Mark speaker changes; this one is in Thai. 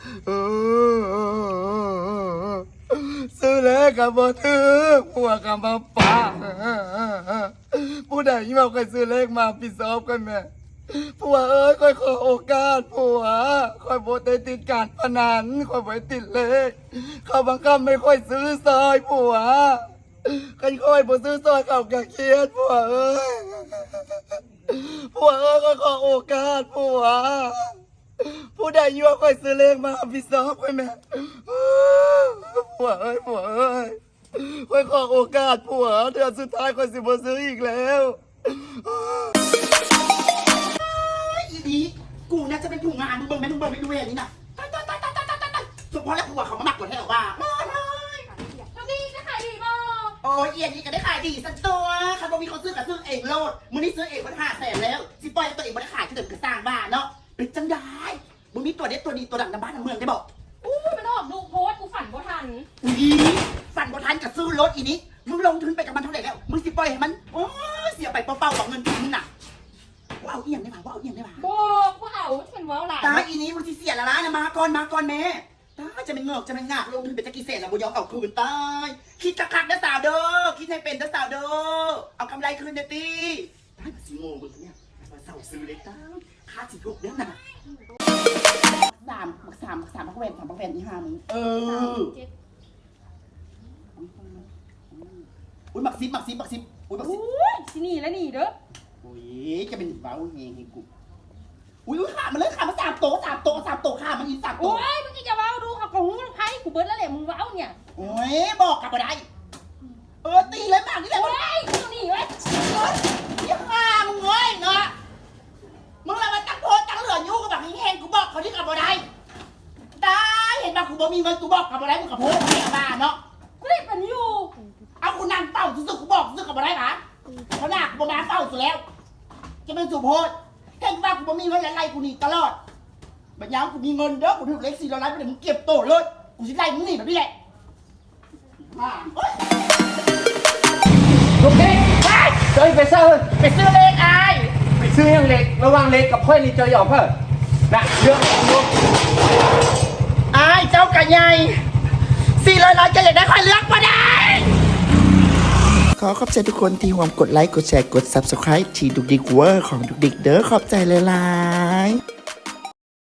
Speaker 1: ซื้อเลขกับบ่ถือผัวกับมาป่าผู้ใดที่มาเคยซื้อเลขมาปิดซอบกันแม่ผัวเอ้ยค่อยขอโอกาสผัวค่อยบ่ได้ติดการพนันค่อยบ่ได้ติดเลขเขาบังคับไม่ค่อยซื้อซอยผัวกันค่อยบ่ซื้อซอยเขาก็เครียดผัวเอ้ยผัวเอ้ยค่อยขอโอกาสผัวผู้ใดยั่วค่อยซื้อเลขมาพิซอบกันแม่ผัวเอ้ยผัวเอ้ยค่อยขอโอกาสผัวเดือนสุดท้ายค่อยสิบ่ซื้ออีกแล้ว
Speaker 2: อีนี้กูน่าจะเป็นผู้งานมึงเบิ่งไหมไม่ดูอย่างนี้นะตายสมพรแล้วกูว่าเขามาหมักกว่าแท้หรอว่ามาเลย
Speaker 3: ทำดีจะขายดีบ่
Speaker 2: โอ้ยเอียนี่ก็ได้ขายดีสักตัวเขาบอกมีคนซื้อกับซื้อเองโลดมึงนี่ซื้อเองมัน500,000แล้วสิปล่อยตัวเองมันขายก็เดินกระสร้างบ้านเนาะเป็นจังได้มึงมีตัวเด็ดตัวดีตัวดังในบ้านในเมืองได้บอก
Speaker 3: อู้มันออกดูโพสกูฝันบ่ทัน
Speaker 2: อีฝันบ่ทันกับซื้อรถอีนี้มึงลงทุนไปกับมันเท่าไหร่แล้วมึงสิปล่อยให้มันโอ้เสียไปเปล่าๆของเงินมึงน่ะว่าเอาเอียงได้ป่ะว่าเอาเอียงได้ป่ะ
Speaker 3: บอกว่าเอาเป็นว้าวหลาน
Speaker 2: ตาอีนี้มึงสิเสียละล้านนะมาก่อนแม่ตาจะเป็นเงือกจะเป็นงากลงทุนเป็นตะกี้เศษแล้วบุยอมเอาคืนตายคิดคักๆนะสาวเด้อคิดให้เป็นนะสาวเด้อเอากำไรคืนเด้อตีตายมาสิโง่มึงเนี่ยมาเศร้าซื้อเลยตาค่าสิถูกเด้อน่ะสามพักแวนที่5มึงอุ้ยหมักซิบอุ้ยหมักซิบ
Speaker 3: ที่นี่แล้วนี่เด้อ
Speaker 2: อุ้ยจะเป็นว้าวเงี้ยให้กูอุ้ยขามันเลยขามัน3 โต๊ะขามันอีก3 โต๊ะ
Speaker 3: โอ้ยมึงจะว้าวดูเขาของมึงไพ่กูเบิร์ดแล้วแหละมึงว้าวเนี่ย
Speaker 2: โอ้ยบอกกลับมาได้ตีเลยมากนี่แหละ
Speaker 3: โอ้ยมึงนี่เว้ย
Speaker 2: ยังมามึงเว้ยเนาะมึงอะไรมาตั้งโพสตั้งเหลือยุ่งกับแบบแห้งกูบอกเขาที่กลับมาได้ได้เห็นป่ะกูบอกมีเงินกูบอกกลับมาได้มึงกับโพสแห้งมาเนาะ
Speaker 3: กูได้เป็นอยู่
Speaker 2: เอากูนั่งเต้าสุดๆกูบอกสุดกลับมาได้ปะเขาหนักกูมาเต้าสุดแล้วจะเป็นสุโพสเห็นป่ะกูบอกมีเงินอะไรกูหนีตลอดบัญญัติกูมีเงินเด้อกูถือเล็ก400 ล้านไปเดี๋ยวมึงเก็บโตเลยกูสิไล่มึงหนีแบบนี้แหละ
Speaker 4: ลูกเด็กเจอไปซื้อ
Speaker 2: เลขไอ้
Speaker 4: ไปซื้อยังเล็กระวังเล็กกับค่อยนี่เจอหยอกเพิ่มนะเยอะลูก
Speaker 2: ไอ้เจ้ากระไง400 ล้านจะอยากได้ค่อยเลือกมาได้ขอขอบใจทุกคนที่ร่วมกดไลค์กดแชร์กด Subscribe ที่ดุกดิกเวอร์ของดุกดิกเด้อขอบใจเลย